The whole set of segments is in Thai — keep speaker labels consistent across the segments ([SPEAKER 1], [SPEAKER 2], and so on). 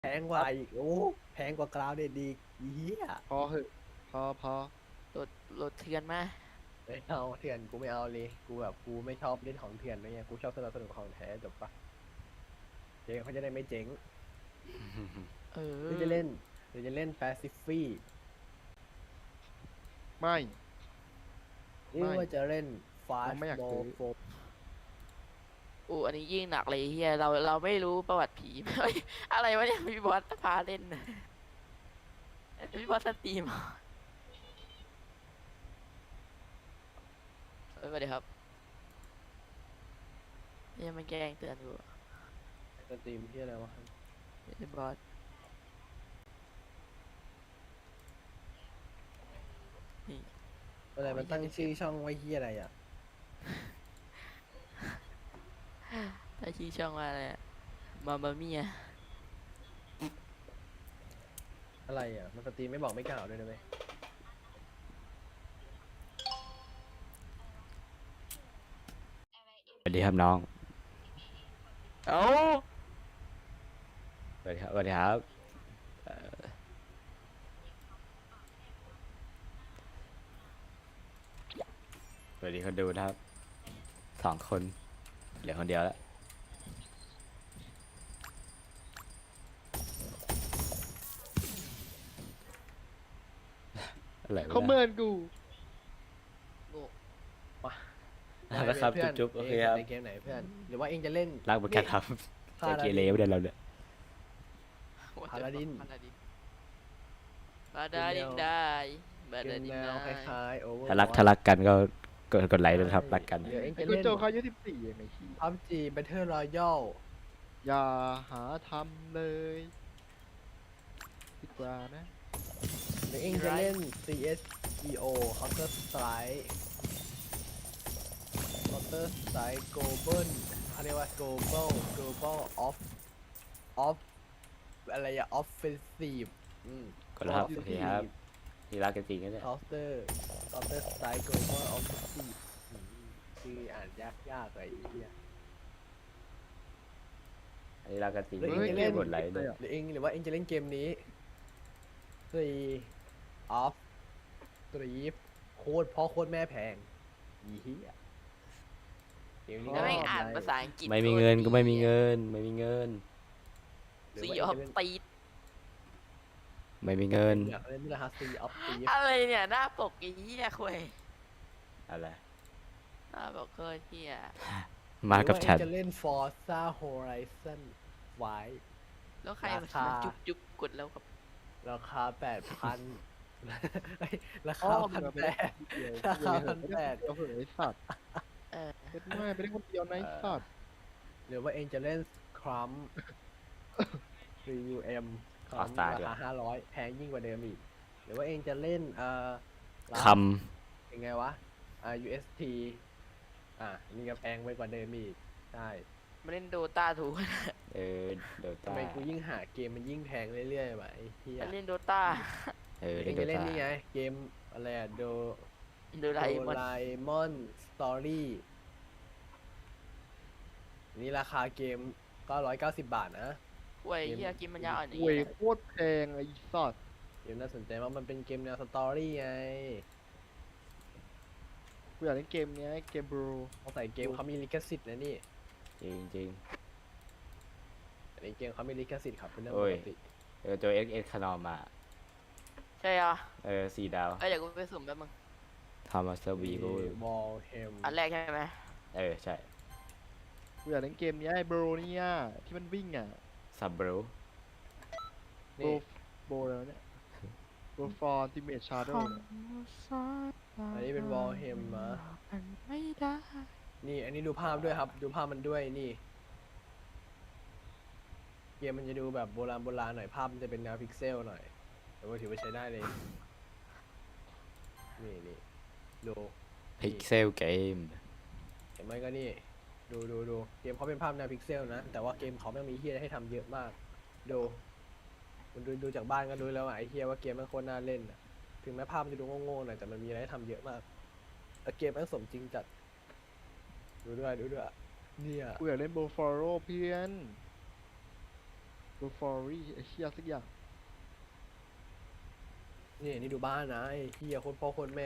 [SPEAKER 1] แพงกว่าอีกโอ้แพงกว่ากราวเด็ดดีเหี้ย
[SPEAKER 2] พอเหอะพอ
[SPEAKER 3] โหลดโหลดเถื่อนมา
[SPEAKER 1] ไม่เอาเถื่อนกูไม่เอาเลยกูแบบกูไม่ชอบเล่นของเถื่อนอะไรเงี้ยกูชอบสนุกของแท้จบปะเจ๊เขาจะได้ไม่เจ๊ง
[SPEAKER 3] เอ
[SPEAKER 1] หรือ
[SPEAKER 3] อ
[SPEAKER 1] จะเล่นแปซิฟี่
[SPEAKER 2] ไม่
[SPEAKER 1] หรือว่าจะเล่นฟาส
[SPEAKER 2] เราไม่อยาก
[SPEAKER 1] โม
[SPEAKER 2] ซื้อ
[SPEAKER 1] โฟ
[SPEAKER 3] อันนี้ยิ่งหนักเลยเฮียเราไม่รู้ประวัติผี เฮ้ยอะไรวะเนี่ยพี่บอสพาเล่นน่ะพี่บอสสตรีมเหรอสวัสดีครับยังมันแกล้งเตือนอยู่
[SPEAKER 1] สตรีมที่อะไรวะ
[SPEAKER 3] พี่บอสนี่
[SPEAKER 1] อะไรมันตั้งชื่อช่องไว้ที่อะไรอ่ะ
[SPEAKER 3] ถ้าชื่อช่องว่าอะไรมาเมีย
[SPEAKER 1] อะไรอ่ะมันสตรีมไม่บอกไม่กล่าวด้วยนะเว้ย
[SPEAKER 4] สวัสดีครับน้อง
[SPEAKER 3] เอ้า
[SPEAKER 4] สวัสดีครับสวัสดีครับสวัสดีคนดูนะครับ2 คนเหลือคนเดียวแล้วอะไรวะ
[SPEAKER 2] เขาเมินกู
[SPEAKER 3] โง่
[SPEAKER 4] นะครับ
[SPEAKER 1] เพื่อน
[SPEAKER 4] จุ๊บๆโอเค
[SPEAKER 1] เอง
[SPEAKER 4] ครับ
[SPEAKER 1] ในเกมไหนเพื่อนหรือว่าเองจะเล่น
[SPEAKER 4] รักเหมือนกันครับใจเกเรไม่ได้เราเนี่ย
[SPEAKER 1] พาราดิน
[SPEAKER 3] พาราดินบาดาดินได้บา
[SPEAKER 1] เก
[SPEAKER 3] ดาม ดิน
[SPEAKER 1] แน
[SPEAKER 3] ได้
[SPEAKER 1] วคล้ายๆโอเวอร์
[SPEAKER 4] ถ้ารักกันก็กดไลค์ด้วยนะครับรักกัน
[SPEAKER 1] เดี๋ยวเอง
[SPEAKER 2] ไอ้
[SPEAKER 1] จะ
[SPEAKER 2] กู
[SPEAKER 1] เล่น
[SPEAKER 2] โจเขาอายุ14เองไอ้ขี้
[SPEAKER 1] พับจีแบทเทิลรอยัล
[SPEAKER 2] อย่าหาทำเลยดีกว่านะ
[SPEAKER 1] หรือเองจะเล่น CSGO Counter Strike Counter Strike Global เขาเรียกว่า Global Off อะไรอะ Offensive
[SPEAKER 4] กดแล้วครับโอเคครับนี่รักกันจริงนะเนี่ย
[SPEAKER 1] Counter Strike Global Offensive ชื่ออ่านยากเลยไอ้เหี้ย
[SPEAKER 4] อันนี้รักกันจริง
[SPEAKER 1] เฮ้ย
[SPEAKER 4] ไม่
[SPEAKER 1] เล่
[SPEAKER 4] ได้
[SPEAKER 1] น
[SPEAKER 4] กดไลค์ด้วย
[SPEAKER 1] หรือว่าเองจะเล่นเกมนี้ Off Street โคตรพ่อโคตรแม่แพงอีเหี้ยเกมนี้
[SPEAKER 3] แล้วไม่งอ่านภาษาอังกฤษ
[SPEAKER 4] ไม่มีเงินก็ไม่มีเงินไม่มีเงิน
[SPEAKER 1] หรือ
[SPEAKER 3] ซี
[SPEAKER 1] ว่า
[SPEAKER 3] อ
[SPEAKER 1] เอง
[SPEAKER 3] อฟ
[SPEAKER 1] จะเล่น
[SPEAKER 3] ตีด
[SPEAKER 4] ไม่มีเงิน
[SPEAKER 1] อยากเล่นนี่แหละฮะ Sea of Thieves
[SPEAKER 3] อะไรเนี่ยหน้าปกไอ้เหี้ยคุย
[SPEAKER 4] อะไร
[SPEAKER 3] หน้าปกเคยเหี้ย
[SPEAKER 4] มากับฉัน
[SPEAKER 1] หรือว่าเองจะเล่น Forza Horizon ไว้
[SPEAKER 3] แล้วใครมา
[SPEAKER 1] ราคา
[SPEAKER 3] จุ๊บกดแล้วครับ
[SPEAKER 1] ราคา 8,000 เฮ้ยรา
[SPEAKER 2] พ่อ
[SPEAKER 1] คา
[SPEAKER 2] มึงอะไป
[SPEAKER 1] 1,800
[SPEAKER 2] เล่นคนเดียว
[SPEAKER 1] ราคา
[SPEAKER 2] เดียวเหอะไอ้สัตว์
[SPEAKER 3] เออ
[SPEAKER 2] เล่นไม่ไปเล่นคนเดียวนะไอ้สัตว์
[SPEAKER 1] หรือว่าเองจะเล่น Scrum CUM
[SPEAKER 4] ขอ Star
[SPEAKER 1] ราคา500 แพงยิ่งกว่าเดิมอีก หรือว่าเองจะเล่น
[SPEAKER 4] ค
[SPEAKER 1] ยังไงวะUST นี่ก็แพงไปกว่าเดิมอีก ใช่
[SPEAKER 3] มาเล่นโดตาถูก
[SPEAKER 4] ำเดี๋ยว
[SPEAKER 1] ทำไมกูยิ่งหาเกมมันยิ่งแพงเรื่อยๆวะไอ้เหี้ย
[SPEAKER 3] มาเล่นโดตา
[SPEAKER 1] เอ
[SPEAKER 4] เล่
[SPEAKER 1] ง
[SPEAKER 4] นโด
[SPEAKER 1] จะเล่น
[SPEAKER 4] ตา
[SPEAKER 1] นี่ไง เกมอะไรอะ
[SPEAKER 3] โด
[SPEAKER 1] โด
[SPEAKER 3] ราเอมอน
[SPEAKER 1] ราเอมอนสตอรี่นี่ราคาเกม990 บาทนะ
[SPEAKER 3] คุยเหี้ยกินมันยาวอ่อนอย่าง
[SPEAKER 2] เว้ย
[SPEAKER 3] เงี้ย
[SPEAKER 2] โคตรแพงไอ้สัตว์
[SPEAKER 1] เกมน่าสนใจมากมันเป็นเกมแนวสตอรี่ไง
[SPEAKER 2] กูอยากเล่นเกมเนี้ยเกมบรู
[SPEAKER 1] ต้องใส่เกมเขามีลิขสิทธิ์นะนี่
[SPEAKER 4] จริง
[SPEAKER 1] แต่ในเกมเขามีลิขสิทธิ์ครับเป็นเรื่อง
[SPEAKER 4] โอ้
[SPEAKER 1] ป
[SPEAKER 4] ย
[SPEAKER 1] กติ
[SPEAKER 4] ตัว XS ขนอมมา
[SPEAKER 3] ใช่เหรอ
[SPEAKER 4] 4 ดาว
[SPEAKER 3] เอ้ยเดี๋ยวกูไปสุ่มแป๊บมึง
[SPEAKER 4] ทำมาเซอร์วีกู
[SPEAKER 1] วอลเฮม
[SPEAKER 3] อันแรกใช่ไหม
[SPEAKER 4] ใช่
[SPEAKER 2] กูอยากเล่นเกมเนี้ยไอ้บรูเนี่ยที่มันวิ่งอ่ะ
[SPEAKER 4] ซับเบล
[SPEAKER 2] โบ
[SPEAKER 1] นี่
[SPEAKER 2] โบแล้วเนี่ยโบฟอร์ติเมทชาร์โด
[SPEAKER 1] อันนี้เป็นวอลเฮมนะ
[SPEAKER 3] มันไม่ได้
[SPEAKER 1] นี่อันนี้ดูภาพด้วยครับ ดูภาพมันด้วยนี่ เกมมันจะดูแบบโบราณหน่อยภาพมันจะเป็นแนวพิกเซลหน่อยแต่ว่าถือว่าใช้ได้เลย นี่ดู
[SPEAKER 4] พิกเซลเกม
[SPEAKER 1] เห็นไหมก็นี่ดูเกมเขาเป็นภาพแนวพิกเซลนะ แต่ว่าเกมเขาไม่งมีเฮียให้ทำเยอะมาก ดูมันดูจากบ้านก็รู้แล้วว่าไอ้เฮียว่าเกมมันโคตรน่าเล่นนะถึงแม้ภาพมันจะดูโง่ๆหน่อยแต่มันมีอะไรให้ทำเยอะมากแล้วเกมมันสมจริงจัดดูด้วยเนี่ย
[SPEAKER 2] กูอยากเล่นโบฟอร์โรเพื่อนบูฟอรี่ไอ้เชี่ยสักอย่าง
[SPEAKER 1] นี่ดูบ้านนะไอ้เฮียโคนพ่อโคนแม่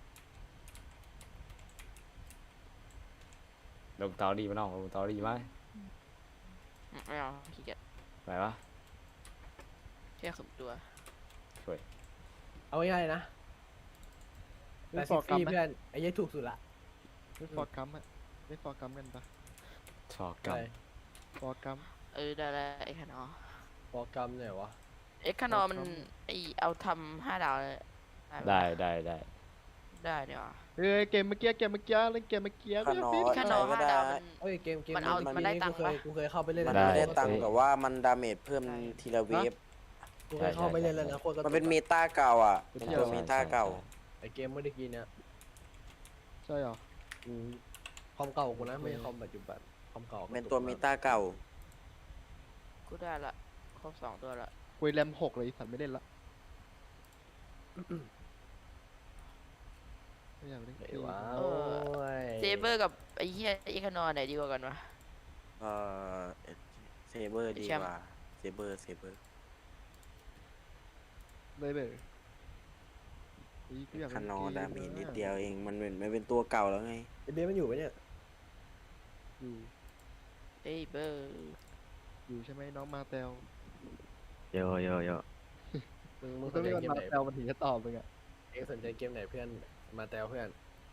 [SPEAKER 4] ลงตอรี่มาน้องลงตอรี่ไหม
[SPEAKER 3] ไม่เอาขี้เกียจ
[SPEAKER 4] ไปวะ
[SPEAKER 3] แค่ขึมตัว
[SPEAKER 4] ช่วย
[SPEAKER 1] เอาง่ายๆนะแต่
[SPEAKER 2] เล่นฟ
[SPEAKER 1] ซิ
[SPEAKER 2] อร์กั
[SPEAKER 1] ฟี่
[SPEAKER 2] มไหม
[SPEAKER 1] เพื่อนไอ้เหี้ยถูกสุดละ
[SPEAKER 2] เล่นฟอร์กัมอะเล่นฟอร์กัมกันปะ
[SPEAKER 4] ชอกกับ
[SPEAKER 1] ใช่
[SPEAKER 2] ฟอร์กัม
[SPEAKER 3] ได้แล้วไอ้ขนอ
[SPEAKER 1] โปรแกรมเนี่ยวะ
[SPEAKER 3] เอ็กขนอมันไอเอาทำ5 ดาวเลยปะ
[SPEAKER 4] ได้
[SPEAKER 3] ได้เนี่ยว่ะ
[SPEAKER 2] เฮ้ยเกมเมื่อกี้เล่นเกมเมื่อกี้
[SPEAKER 5] ขนอ
[SPEAKER 3] ขนอ
[SPEAKER 5] ก็
[SPEAKER 3] 5 ดาว
[SPEAKER 5] ได้
[SPEAKER 3] มัน
[SPEAKER 1] เอ้ยเกม
[SPEAKER 3] มันเอามันได้ตังค์ปะ
[SPEAKER 1] กูเคยเข้าไปเล่น
[SPEAKER 5] มัน
[SPEAKER 1] แล้ว
[SPEAKER 5] ไม่ได้
[SPEAKER 1] นะ
[SPEAKER 5] ตังค์แต่ว่ามันดาเมจเพิ่ม
[SPEAKER 3] ใช่
[SPEAKER 5] ทีละเวฟ
[SPEAKER 1] กูเคยเข้าไปเล่นแล้วนะโคตรกระตุก
[SPEAKER 5] มันเป็นเมตาเก่าอ่ะ เป็นตัวเมตาเก่า
[SPEAKER 1] ไอ้เกมเมื่อกี้เนี่ย
[SPEAKER 2] ใช่เหรอ
[SPEAKER 1] อืมคอมเก่ากูนะไม่ใช่คอมปัจจุบันคอมเก่า
[SPEAKER 5] เป็นตัวเมตาเก่า
[SPEAKER 3] กูได้ละครบ2 ตัวละ
[SPEAKER 2] คุยแรม6เลยไอ้สัตว์ไม่เล่นละไม่อยากเล่นเก
[SPEAKER 1] ไอ้
[SPEAKER 2] ม
[SPEAKER 1] ว้า
[SPEAKER 3] เอ
[SPEAKER 1] ว
[SPEAKER 3] เซเบอร์กับไอ้เหี้ยเอ็กขนอไหนดีกว่ากันวะ
[SPEAKER 5] เอ่อเซเบอร์ดี
[SPEAKER 3] แชมป์
[SPEAKER 5] กว่า เซเบอร์
[SPEAKER 2] เลยเลยอีกูอยาก
[SPEAKER 5] ค
[SPEAKER 2] เล่น
[SPEAKER 5] นอ
[SPEAKER 2] เก
[SPEAKER 5] ดาเมจนิดเดียวเอง มันเป็นตัวเก่าแล้วไง
[SPEAKER 1] ไอ้เบสมันอยู่ปะเนี่ย
[SPEAKER 2] อยู่
[SPEAKER 3] เซเบอร์
[SPEAKER 2] อยู่ใช่ไหมน้องมาเตล
[SPEAKER 4] โย
[SPEAKER 1] มึงส
[SPEAKER 2] ต้อน ง
[SPEAKER 1] ใจ
[SPEAKER 2] เรียก
[SPEAKER 1] เกม
[SPEAKER 2] มา
[SPEAKER 1] ไหน
[SPEAKER 2] เตลมันถึงจะตอบมึงอะ
[SPEAKER 1] เองสนใจเกมไหนเพื่อนมาแตวเพื่อน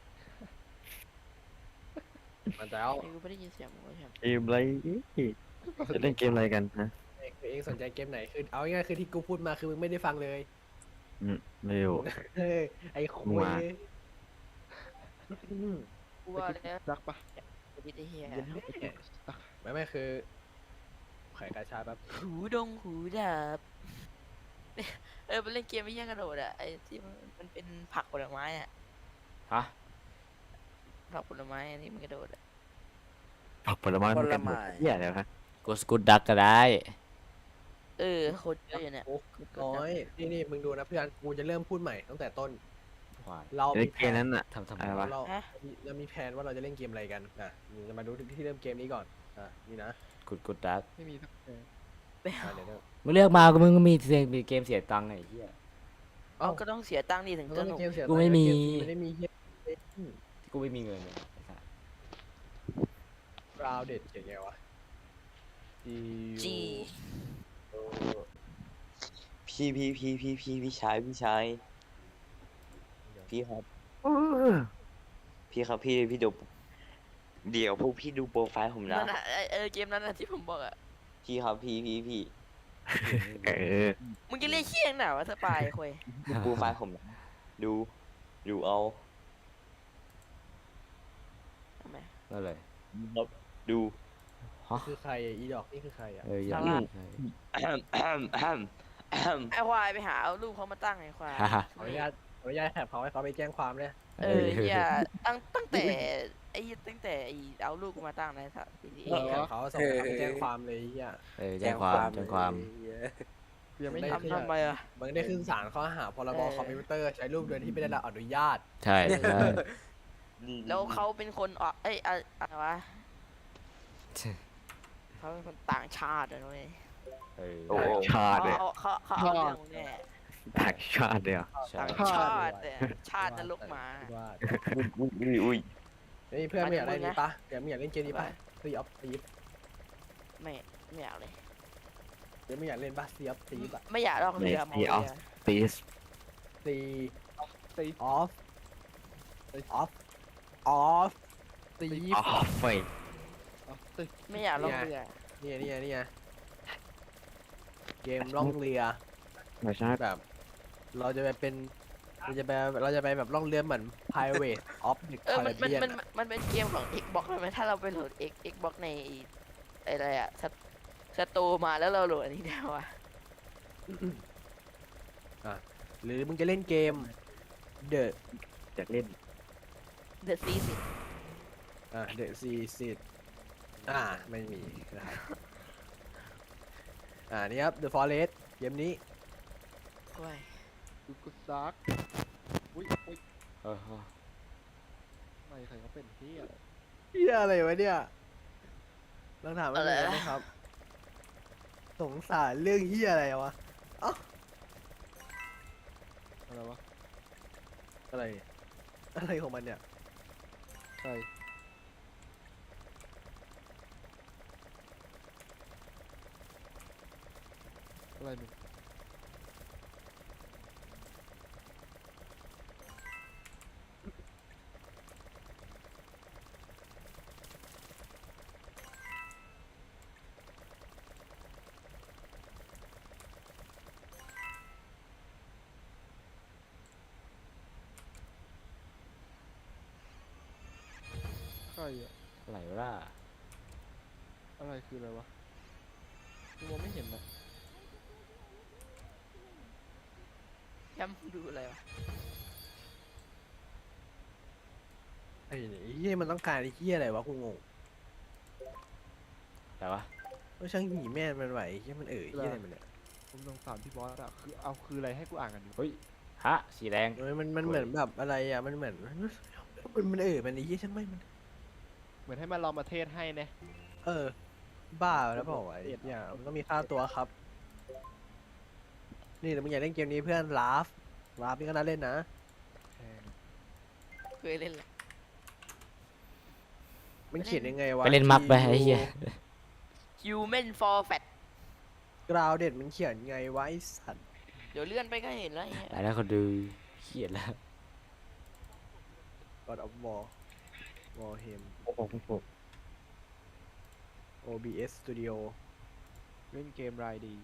[SPEAKER 1] มาแตว
[SPEAKER 3] ไอ้กูไม่ได้ยินเสียงมึงเลยครับ
[SPEAKER 4] เกมอะไรจะเล่นเกมอะไรกันนะ
[SPEAKER 1] เองสนใจเกมไหนคือเอาง่ายๆคือที่กูพูดมาคือมึงไม่ได้ฟังเลย
[SPEAKER 4] ไม่รู้
[SPEAKER 1] เฮ้ยไอ้คุ
[SPEAKER 4] มึง
[SPEAKER 1] ย
[SPEAKER 4] มา
[SPEAKER 3] กูว่าแล้ว
[SPEAKER 2] รักปะ
[SPEAKER 3] ไอ้เหี้ย
[SPEAKER 1] ไม่คือไขกาชาแบบ
[SPEAKER 3] หูดงหูดับมันเล่นเกมไม่แย่งกระโดดอะไอ้ที่มันเป็นผักผลไม้อะ
[SPEAKER 4] ฮะ
[SPEAKER 3] ผักผลไม้อันนี้มันกระโดดอะ
[SPEAKER 4] ผักผลไม้
[SPEAKER 5] ผลไม้
[SPEAKER 4] เหี้ยอะไรครับกูสกูดดักก็ได้
[SPEAKER 3] โคตรเยอะอยู่เนี่ย
[SPEAKER 1] โอ้น้อยนี่มึงดูนะเพื่อนกูจะเริ่มพูดใหม่ตั้งแต่ต้น
[SPEAKER 4] หวาน
[SPEAKER 1] เรา
[SPEAKER 6] เล่
[SPEAKER 1] มี
[SPEAKER 6] น
[SPEAKER 1] แผ
[SPEAKER 6] เกม
[SPEAKER 1] น
[SPEAKER 6] นั้นอ่ะ
[SPEAKER 4] ทำ
[SPEAKER 6] อะไรวะ
[SPEAKER 1] เรามีแผนว่าเราจะเล่นเกมอะไรกันนะมึงจะมาดูที่เริ่มเกมนี้ก่อนนี่นะ
[SPEAKER 4] กูดดัก
[SPEAKER 2] ไม่มีสักเกม
[SPEAKER 3] ไป
[SPEAKER 1] เดี๋ยว
[SPEAKER 4] มึงเลือกมาก็มึงก็มีเกมเสียตังค์ไอ้เหี้ย
[SPEAKER 3] เอาก็ต้องเสียตังค์ดิถึง
[SPEAKER 1] มัน
[SPEAKER 3] จะ
[SPEAKER 1] ต้อง
[SPEAKER 3] หนุก
[SPEAKER 1] เกมเสีย
[SPEAKER 4] กูไม่มี
[SPEAKER 1] ไม่ได้มีเฮีย
[SPEAKER 4] ที่กูไม่มีเงินเลยไอ้สัส
[SPEAKER 1] ราวเด็ดเขียนไงวะ
[SPEAKER 3] จี
[SPEAKER 6] พี่ชายพี่ครับ พี่ครับพี่ดูเดี๋ยวพวกพี่ดูโปรไฟล์ผมนะ
[SPEAKER 3] นั่นอะเกมนั้นอะที่ผมบอกอะ
[SPEAKER 6] พี่ครับพี่
[SPEAKER 4] เออ
[SPEAKER 3] มึงจะเรียกเคียงหนาวะสปายคุย
[SPEAKER 6] ดูโปรไฟล์ผมนะดูเอา
[SPEAKER 3] ทำไม
[SPEAKER 4] นั่นเลย
[SPEAKER 6] ครับดู
[SPEAKER 4] ฮะ
[SPEAKER 1] คือใครอีดอกนี่คือใครอ่ะ
[SPEAKER 4] อย่าง
[SPEAKER 3] ซาร่า
[SPEAKER 4] ใช่
[SPEAKER 3] ไอ้ควายไปหาเอารูปเขามาตั้งไอ้ควาย
[SPEAKER 4] ฮ่าฮ่า
[SPEAKER 1] ขออนุญาตแถบเขาให้เขาไปแจ้งความเลย
[SPEAKER 3] เฮียตั้งแต่ไอ้เอารูปกูมาตั้งนะสัตว์ทีนี้
[SPEAKER 1] แถบเขาส่งเขาไปแจ้งความเลยเฮีย
[SPEAKER 4] แจ้งความ
[SPEAKER 5] เลย
[SPEAKER 2] กูยังไม่
[SPEAKER 1] ได้
[SPEAKER 2] ทำ
[SPEAKER 3] ทำไมอะ
[SPEAKER 1] มันได้ขึ้นศาลข้อหาพรบคอมพิวเตอร์ใช้รูปโดยที่ไม่ได้รับอนุญาต
[SPEAKER 4] ใช่ใช่
[SPEAKER 3] แล้วเขาเป็นคนอะไรวะเขาเป็นคนต่างชาติอะนุ้ย
[SPEAKER 4] เออ
[SPEAKER 6] โอ้
[SPEAKER 4] ชาติเลย
[SPEAKER 3] เขาเอาเรื่องเนี่ย
[SPEAKER 4] ต่างชาติเลยใช่
[SPEAKER 3] ต่างชาติเนี่ยชาตินรกหมา
[SPEAKER 1] ว่า
[SPEAKER 6] อุ้ย
[SPEAKER 1] เฮ้ยเพื่อนไม่อยากเล่นนี้ปะเดี๋ยวไม่อยากเล่นเกมนี้ปะซีออฟซีฟ
[SPEAKER 3] ไม่อยากเลย
[SPEAKER 1] เดี๋ยวไม่อยากเล่นปะซีออฟซีฟอะ
[SPEAKER 3] ไม่อยากลองเรือมองเรือ
[SPEAKER 4] ปีส
[SPEAKER 1] ซี
[SPEAKER 2] ตี
[SPEAKER 1] ออฟออฟซีฟ
[SPEAKER 4] อ๋อไฟ
[SPEAKER 2] ตี
[SPEAKER 3] ไม่อยากลองเรือ
[SPEAKER 1] เนี่ยเกมล่องเรือ
[SPEAKER 4] ไม่ใช่
[SPEAKER 1] แบบ เราจะไปแบบล่องเรือเหมือน Pirate of the
[SPEAKER 3] มัน
[SPEAKER 1] Caribbean
[SPEAKER 3] มันเป็นเกมของ Xbox ใช่ไหมถ้าเราไปโหลด Xbox ในอะไรอะสตูมาแล้วเราโหลดอันนี้ได้วะ
[SPEAKER 1] หรือมึงจะเล่นเกม The
[SPEAKER 4] จะเล่น
[SPEAKER 3] The Season
[SPEAKER 1] The Season ไม่มีนะครับนี่ครับ The Forest เกมนี้
[SPEAKER 3] โอ้ย
[SPEAKER 2] กูซักอุ้ย
[SPEAKER 4] เออ
[SPEAKER 2] ไม่ใครเขาเป็นเฮีย
[SPEAKER 1] เฮียอะไรวะเนี่ยลองถามอะไรนะครับสงสารเรื่องเฮียอะไรวะ
[SPEAKER 2] อะไรวะ
[SPEAKER 1] อะไรเนี่ยอะไรของมันเนี่ย
[SPEAKER 2] ใช่อะไรมึง ใครอะ
[SPEAKER 4] อะไรวะล่ะ
[SPEAKER 2] อะไรคืออะไรวะกูมองไม่เห็นนะ
[SPEAKER 3] ย้ำดูอะไรวะ
[SPEAKER 1] ไอ้เฮียมันต้องการไอ้เฮียอะไรวะกูงง
[SPEAKER 4] แต่วะ
[SPEAKER 1] ว่าช่างหีแม่มันไหวไอ้เฮียมันเฮียอะไรมันเนี่ย
[SPEAKER 2] ผมสงสารพี่บอสอะคือเอาคืออะไรให้กูอ่านกันดู
[SPEAKER 4] เฮ้ยฮะสีแดง
[SPEAKER 1] เอ้ยมันเหมือนแบบอะไรอ่ะมันเหมือนมันมันมันไอ้เฮียช่างไม่มัน
[SPEAKER 2] เหมือนให้มันลองมาเทศให้เนี่ย
[SPEAKER 1] เออ บ้าแล้วเปล่าวะไอ้เฮียมันต้องมีค่าตัวครับ นี่แต่มึงอยากเล่นเกมนี้เพื่อนลาฟนี่ก็น่าเล่นนะ
[SPEAKER 2] แพง
[SPEAKER 3] เคยเล่นแหละ
[SPEAKER 1] มันเขียนยังไงวะ
[SPEAKER 4] ไปเล่นมับไปไอ้เหี้ย
[SPEAKER 3] Human for Fat
[SPEAKER 1] กราวเด็ดมันเขียนไงวะไอ้สัตว์
[SPEAKER 3] เดี๋ยวเลื่อนไปก็เห็นแล้วไอ้เหี้ย
[SPEAKER 4] แล้วคนดูเขียนแล้ว
[SPEAKER 1] God of War Warhem OBS Studio
[SPEAKER 2] เล่นเกมรายดี